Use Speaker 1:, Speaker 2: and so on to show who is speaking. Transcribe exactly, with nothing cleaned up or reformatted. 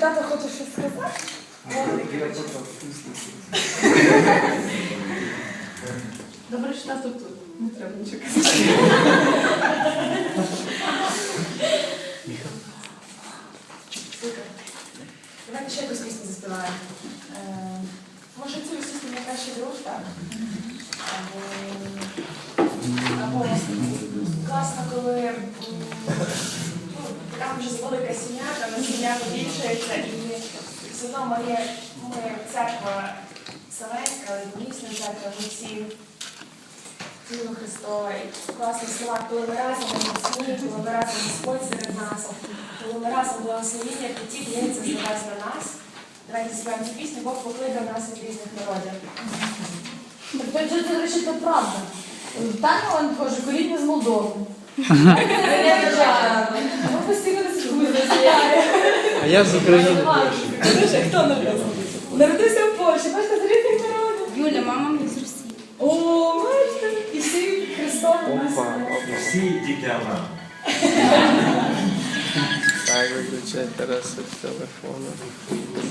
Speaker 1: тато хоче щось сказати?
Speaker 2: Добре, що тато тут. Не треба нічого казати.
Speaker 1: Супер. Давайте ще якусь пісню заспіваємо. Е, Може цю пісню «Найкращий друг», так? Або, або класно, коли м, ну, така вже велика сім'я, там сім'я побільшується, і все одно ми, ми церква Вселенська, але дійсно церква, ми всі тіло Христове. І класні слова, коли ми разом у сім'ї, коли ми разом Господь серед нас, коли ми разом благословіння, потік лється з небес на нас. Давайте співаємо цю пісню, Бог покликав нас від різних народів.
Speaker 3: Так, це, до речі, це правда. Таня, он каже, коріння з Молдови. Ми постійно не слухаємо.
Speaker 4: А я з України.
Speaker 1: Дуже, хто народився? Народився в Польщі, бачите, з різних народів.
Speaker 2: Юля, мама мені з Росії.
Speaker 1: О, бачите, і всі Христові нас.
Speaker 4: Опа, опа.
Speaker 5: Всі діти Авраама.
Speaker 4: Так, виключай Тараса з телефону.